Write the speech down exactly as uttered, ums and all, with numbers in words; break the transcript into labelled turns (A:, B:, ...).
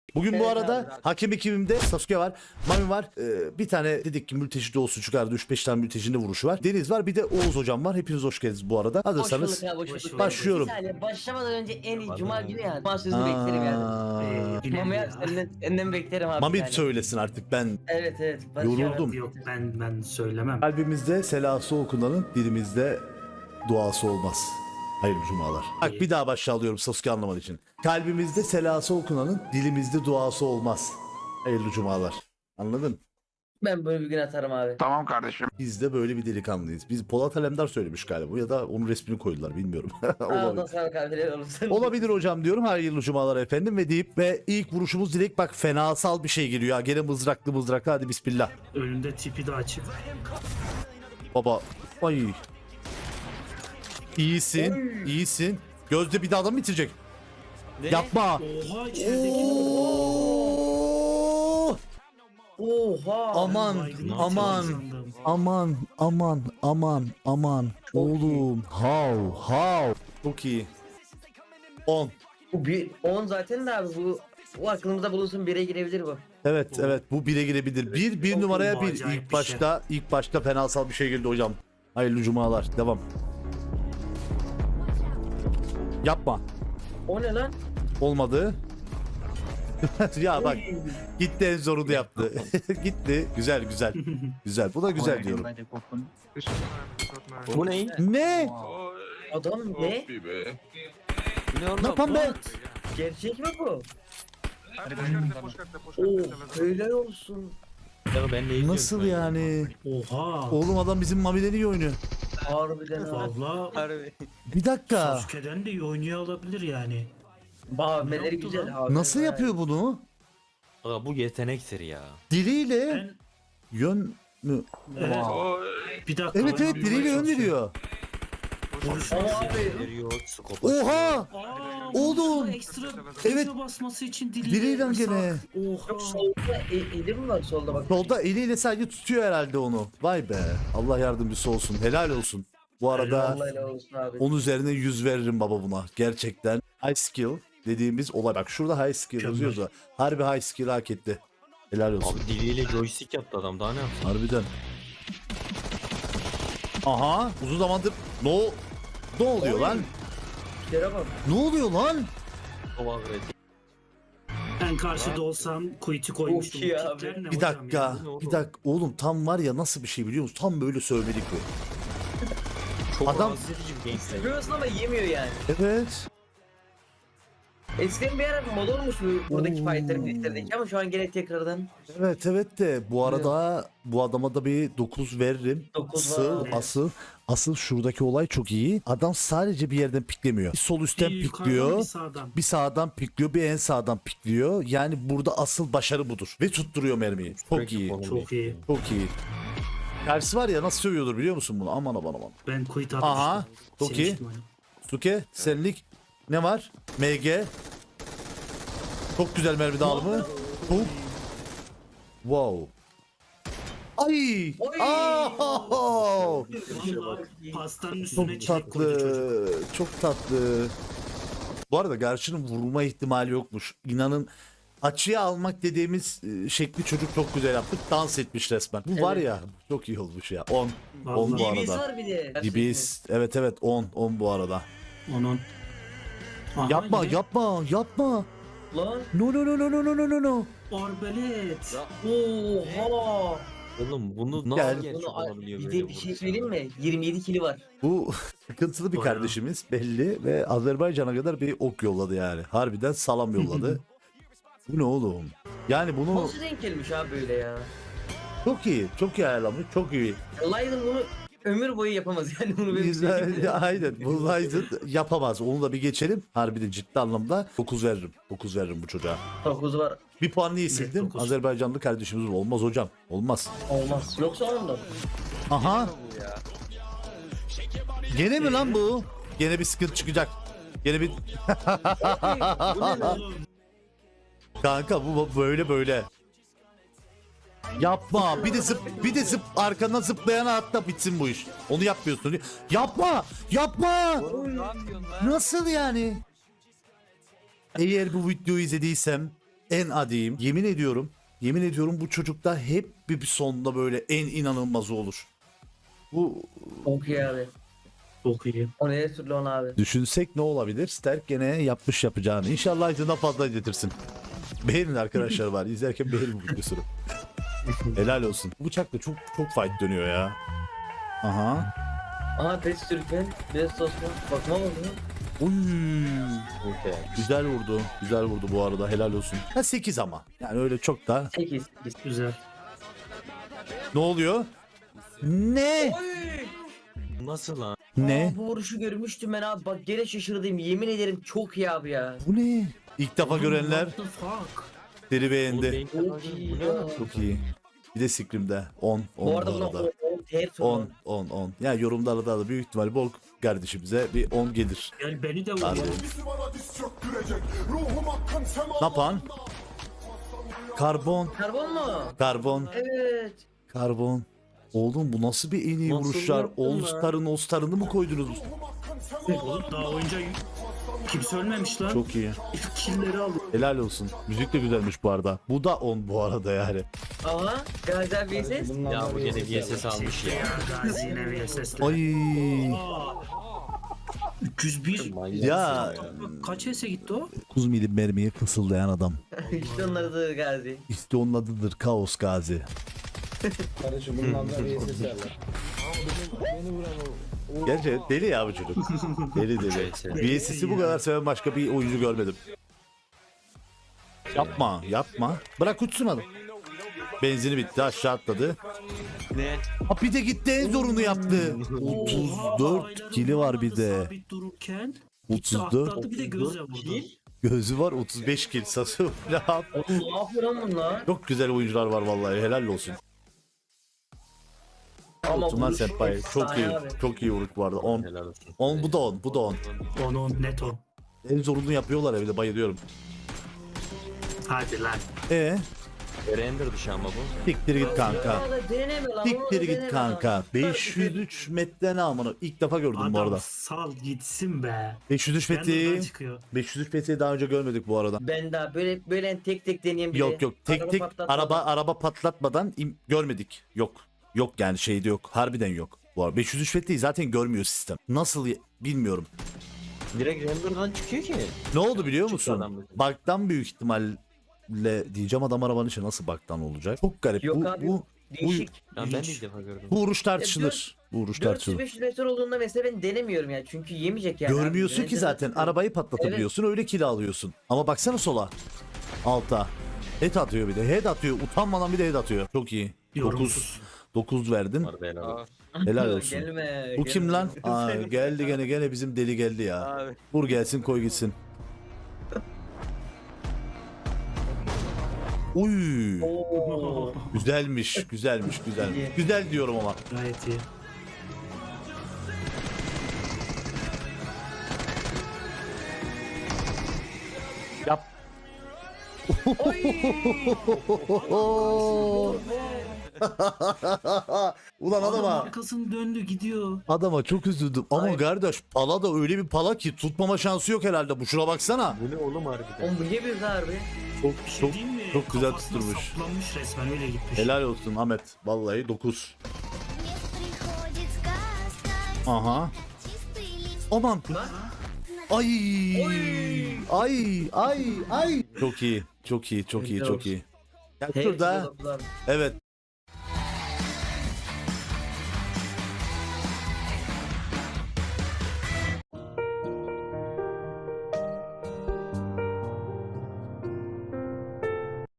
A: Bugün bu
B: Evet
A: arada
B: abi, abi.
A: hakem ekibimde Sasuke var, Mami var. Ee, bir tane dedik ki mülteci de olsun çıkardı. üç beş tane mültecinin de vuruşu var. Deniz var, bir de Oğuz hocam var. Hepiniz hoş geldiniz bu arada.
B: Hoş
A: Hazırsanız
B: bulduk ya, hoş
C: Hoş
B: bulduk.
C: bulduk.
A: başlıyorum.
B: Bir saniye, başlamadan önce en iyi cuma günü yani. Cuma sözünü
A: Aa,
B: beklerim yani.
C: Ee,
B: Mami
C: ya.
B: abi senden, senden beklerim abi.
A: Mami
B: yani.
A: söylesin artık, ben
B: Evet evet. Barış
A: Yoruldum.
B: abi.
C: Yok ben ben söylemem.
A: kalbimizde selası okunanın dilimizde duası olmaz. Hayırlı cumalar. Bak bir daha başa alıyorum Sasuke anlaman için. Kalbimizde selası okunanın dilimizde duası olmaz. Hayırlı cumalar. Anladın?
B: Ben böyle bir gün atarım abi.
D: Tamam kardeşim.
A: Biz de böyle bir delikanlıyız. Biz Polat Alemdar söylemiş galiba ya da onun resmini koydular bilmiyorum.
B: Ağzına
A: Olabilir.
B: sağlık abi. helal olsun.
A: Olabilir hocam diyorum. Hayırlı cumalar efendim ve deyip ve ilk vuruşumuz direkt bak fenasal bir şey geliyor. Ha, gene mızraklı mızraklı hadi bismillah.
C: Önünde tipi de açık.
A: Baba ay. İyisin, iyisin. Gözde bir daha adam bitirecek. Yapma.
C: Oha içerideki.
A: Oo!
B: Oha.
A: Aman,
C: Baygın
A: aman,
C: sandım.
A: aman, aman, aman, aman. Oğlum, how, how. Çok iyi. on.
B: Bu bir on zaten de abi bu bu aklımızda bulunsun, bire girebilir bu.
A: Evet, evet bu bire girebilir. Bir, bir
C: Çok
A: numaraya bir.
C: acayip
A: İlk
C: bir şey.
A: başta, ilk başta fenasal bir şey geldi hocam. Hayırlı cumalar. Devam. Yapma.
B: O ne lan?
A: Olmadı. Ya bak gitti en zorunu yaptı. Gitti. Güzel güzel. Güzel. Bu da güzel diyorum.
E: Bu ne?
A: Ne?
B: Adam ne?
E: Ne oğlum?
A: Ne yapan be?
B: Gerçek mi bu? Oo, helal olsun.
E: Ya ben ne izliyorum
A: Nasıl
E: şu an?
A: yani?
C: Oha.
A: Oğlum adam bizim Mami'den iyi oynuyor.
B: Harbiden abi.
C: Valla
E: Harbi.
A: Bir dakika.
C: Sasuke'den de iyi oynuyor olabilir yani.
B: Bağırmeleri
C: yaptı
B: güzel
C: lan?
B: abi.
A: Nasıl yapıyor bunu?
E: Aga bu yetenektir ya.
A: Diliyle
C: Ben
A: yön mü?
C: evet. Bir dakika.
A: Evet
C: ben
A: evet
C: bir
A: diliyle yön
C: çalışıyorum.
A: veriyor.
C: Vuruş
B: Ama
C: nasıl?
B: abi
E: Veriyor, skopa.
A: Oha!
C: Aa,
A: Oğlum.
C: vuruşa Ekstra,
A: Evet.
C: ekstra basması için diliyle.
A: Diliyle
C: yasak.
A: gene.
B: yok,
C: Oha.
B: solda e, eli mi var solda bak.
A: Solda eliyle sadece tutuyor herhalde onu. Vay be. Allah yardımcısı olsun. Helal olsun. Bu arada
B: Allah helal olsun abi.
A: on üzerine yüz veririm baba buna. Gerçekten high skill dediğimiz olay. Bak şurada high skill
C: Mükemmel.
A: yazıyorsa harbi high skill hak etti. Helal olsun.
E: Abi diliyle joystick yaptı adam daha ne yapsın?
A: Harbiden. Aha uzun zamandır no ne oluyor lan?
B: Yere bak.
A: Ne oluyor lan?
E: Kova verdi.
C: Ben karşıda olsam kuytu koymuştum.
B: Çok iyi
C: Bu
B: abi.
C: kitler ne
A: Bir
C: hocam
A: dakika.
C: ya?
E: ne oğlum?
A: Bir dakika. Oğlum tam var ya nasıl bir şey biliyor musun? Tam böyle sövmelik bu.
E: Çok
A: Adam-
E: rahatsız edici bir gameplay.
B: Seviyorsun ama yemiyor yani.
A: Evet.
B: Eskiden bir ara mod olmuş bu buradaki
A: Oo.
B: fightların listedeki ama şu an gene tekrardan
A: Evet evet de bu arada bu adama da bir dokuz veririm.
B: dokuz
A: Asıl
B: var.
A: asıl asıl şuradaki olay çok iyi. Adam sadece bir yerden piklemiyor. Bir sol üstten
C: Bir yukarıdan
A: pikliyor.
C: bir sağdan.
A: Bir sağdan pikliyor, bir en sağdan pikliyor. Yani burada asıl başarı budur. Ve tutturuyor mermiyi. Çok
E: Sürekli
A: iyi.
E: konu
C: Çok iyi.
A: Çok iyi. Tersi var ya nasıl sövüyordur biliyor musun bunu? Aman aman aman.
C: Ben kuytu
A: Aha,
C: atmıştım.
A: çok iyi.
C: Silmiştim onu.
A: Suke, senlik ne var? M G. Çok güzel mermi dağılımı. Çok. Wow. Ay!
B: Oy!
A: Aa!
C: Vallahi pastanın üstüne
A: Çok
C: çilek koydu çocuk.
A: tatlı. Çok tatlı. Bu arada Garçı'nın vurma ihtimali yokmuş. İnanın açıya almak dediğimiz e, şekli çocuk çok güzel yaptı. Dans etmiş resmen. Bu var
B: Evet.
A: ya çok iyi olmuş ya. on. on
C: Vallahi.
A: bu
B: D B S
A: arada.
B: var bir de.
A: D B S. Evet evet on. on bu arada.
C: Onun. Aha,
A: Yapma
C: yine
A: yapma yapma.
B: Lan.
A: No no no no no no no no no.
C: Arbalet.
B: Oha.
E: Oğlum bunu nasıl
A: Gel.
E: gerçek
B: Bunu,
E: olabiliyor
B: bir
E: böyle
B: de bir şey
E: vuruş?
B: söyleyeyim mi? yirmi yedi kili var.
A: Bu sıkıntılı bir
C: Bayağı.
A: kardeşimiz belli ve Azerbaycan'a kadar bir ok yolladı yani. Harbiden salam yolladı. Bu ne oğlum? Yani bunu
B: Nasıl denk gelmiş abi böyle ya?
A: çok iyi, çok iyi ayarlamış, çok iyi.
B: Leiden bunu ömür boyu yapamaz yani bunu benim söyleyeyim.
A: Güzel, aynen. Bu Ryzen yapamaz. Onu da bir geçelim. Harbiden ciddi anlamda dokuz veririm. dokuz veririm bu çocuğa.
B: dokuz var.
A: Bir puan niye sildim?
C: dokuz.
A: Azerbaycanlı kardeşimiz olmaz hocam. Olmaz.
B: Olmaz. Yoksa onda.
A: Aha. Gene mi lan bu? Gene bir sıkıntı çıkacak. Gene bir
B: Bu ne lan?
C: Oğlum,
A: kanka bu bu böyle böyle. Yapma. Bir de zıp bir de zıp arkandan zıplayana atla bitsin bu iş. Onu yapmıyorsun. Yapma. Yapma.
E: Ne yapıyorsun lan?
A: Nasıl yani? Eğer bu videoyu izlediysem en adiyim. Yemin ediyorum. Yemin ediyorum bu çocukta hep bir, bir sonunda böyle en inanılmazı olur. Bu
B: Çok iyi abi.
C: Çok iyi.
B: O neye türlü onu abi.
A: düşünsek ne olabilir? Sterk gene yapmış yapacağını. İnşallah acından fazla getirsin. Beğenin arkadaşlar var. İzlerken beğenin bu videosunu. Helal olsun. Bu bıçak da çok çok fight dönüyor ya. Aha.
B: Aha Pes Türkmen. Best Osman. Bakma oldu.
A: Uy.
E: Okey.
A: Güzel vurdu. Güzel vurdu bu arada. Helal olsun. Ha sekiz ama. Yani öyle çok da.
B: sekiz.
C: Güzel.
A: Ne oluyor? Ne?
E: Nasıl lan?
A: Ne?
B: Aa, bu vuruşu görmüştüm ben abi. Bak gene şaşırdım. Yemin ederim çok iyi abi ya.
A: Bu ne? İlk defa görenler
C: What the fuck?
A: seri
E: Oğlum
A: beğendi.
E: beyin
B: Çok
E: kapağı-
B: iyi
E: Bu ne
B: ya.
E: lan?
A: Çok iyi. Bir de Scream'de on. on
B: Bu arada buna
A: arada.
B: on her türlü.
A: on on on. Yani yorumlarda da büyük ihtimal bol kardeşimize bir on gelir.
C: Gel beni de
A: Harbi.
C: vur.
A: Ne yapan? Karbon.
B: Karbon mu?
A: Karbon.
B: Evet.
A: Karbon. Oğlum bu nasıl bir en iyi
E: Nasıl
A: vuruşlar?
E: yaptın
A: All
E: lan?
A: Star'ın All Star'ını mı koydunuz?
C: Oğlum daha oyunca kimse ölmemiş lan.
A: Çok iyi.
C: İlk killleri aldı.
A: Helal olsun. Müzik de güzelmiş bu arada. Bu da on bu arada yani.
B: Aha. Gazi abi ses.
E: Ya bu gene V S S almış ya.
C: Gazi yine bir S S'le.
A: Ay.
C: üç yüz bir.
E: Manyak.
A: Ya
C: Kaç S gitti o?
A: dokuz milim mermiye fısıldayan adam.
B: işte onları da Gazi.
A: İşte onun adıdır Kaos Gazi.
D: Kardeşim bunun adına bir ses yerler. Beni vuran o.
A: Gerçi deli ya bu çocuk. Deli deli.
E: Evet, evet.
A: V S S'i bu kadar seven başka bir oyuncu görmedim. Yapma yapma. Bırak uçsun adam. Benzini bitti aşağı atladı.
E: Ne?
A: Ha bir de gitti en zorunu yaptı. otuz dört kili var bir de.
C: Sabit dururken.
A: otuz
C: Gitti
A: dört.
C: atladı bir de gözle vurdu.
A: Gözü var otuz beş kill sası. Ne yap-
B: Oğlum ne yapıyor lan bunlar?
A: Çok güzel oyuncular var vallahi helal olsun.
B: Ama
A: Tuman
B: vuruş
A: Senpai çok
B: efsane
A: iyi.
B: abi.
A: Çok iyi vuruş bu arada. on.
E: Helal olsun.
A: on bu da on. Bu da on.
C: Onu net o.
A: En zorunu yapıyorlar evde bayılıyorum.
C: Hadi lan.
A: E
E: Render dışı ama bu.
A: siktir git kanka.
B: Onu da deneme lan. onu da
A: Siktir git
B: deneme
A: kanka.
B: lan.
A: beş yüz üç metre ne amına. İlk defa gördüm bu
C: Adam
A: arada.
C: sal gitsin be.
A: beş yüz üç
C: Render'dan
A: metreyi
C: çıkıyor.
A: beş yüz üç metreyi daha önce görmedik bu arada.
B: Ben daha böyle böyle tek tek deneyen biri.
A: Yok yok tek
B: Araba
A: tek
B: patlatmadan.
A: araba araba patlatmadan im- görmedik. Yok. Yok yani şeyde yok. Harbiden yok. Bu arada beş yüz üç metreyi zaten görmüyor sistem. Nasıl y- bilmiyorum.
E: Direkt render'dan çıkıyor ki.
A: Ne oldu biliyor
E: Çıktı
A: musun?
E: adam.
A: Bug'dan büyük ihtimalle diyeceğim adam arabanın içi nasıl bug'dan olacak? Çok garip.
B: Yok
A: bu,
B: abi,
A: bu,
B: Değişik.
E: Ya ben de
C: İlginç.
E: ilk defa gördüm.
A: bu vuruş tartışılır. Bu vuruş
B: dört yüz
A: tartışılır.
B: beş yüz metre olduğunda mesela ben denemiyorum ya. Çünkü yemeyecek yani.
A: Görmüyorsun
B: abi.
A: ki
B: Ben
A: zaten.
B: denemem.
A: Arabayı patlatabiliyorsun öyle kill alıyorsun. Ama baksana sola. Alta. Head atıyor bir de. Head atıyor. Utanmadan bir de head atıyor. Çok iyi. dokuz.
C: Yorumsuz.
A: dokuz verdin.
E: Harbi helal olsun.
A: Helal olsun.
B: Gelme.
A: Bu
B: gelme.
A: kim lan? Aa, geldi gene gene bizim deli geldi ya.
E: Abi.
A: Vur gelsin koy gitsin. Uy.
B: Oo.
A: Güzelmiş, güzelmiş, güzel.
B: İyi.
A: Güzel diyorum ama.
C: Gayet iyi.
A: Yap. Ulan
C: Adam
A: adama,
C: arkasını döndü gidiyor.
A: adama çok üzüldüm. Ama
B: Hayır.
A: kardeş pala da öyle bir pala ki tutmama şansı yok herhalde. Bu şuna baksana.
E: Bu ne oğlum harbiden?
B: Oğlum bu niye bir harbi?
A: Çok
C: Bir şey
A: çok
C: diyeyim mi?
A: çok güzel
C: Kafasına
A: tutturmuş.
C: saplanmış resmen öyle gitmiş.
A: Helal olsun Ahmet. Vallahi dokuz.
F: Приходит сказка,
A: Aha.
F: чистый лист.
A: Aman.
B: Lan.
A: Ay.
B: Oy.
A: Ay ay ay. Çok iyi. Çok iyi. Çok iyi.
B: Helal
A: Çok
B: olsun.
A: iyi. Ya
B: Hepsi
A: şurada
B: dolaplar.
A: evet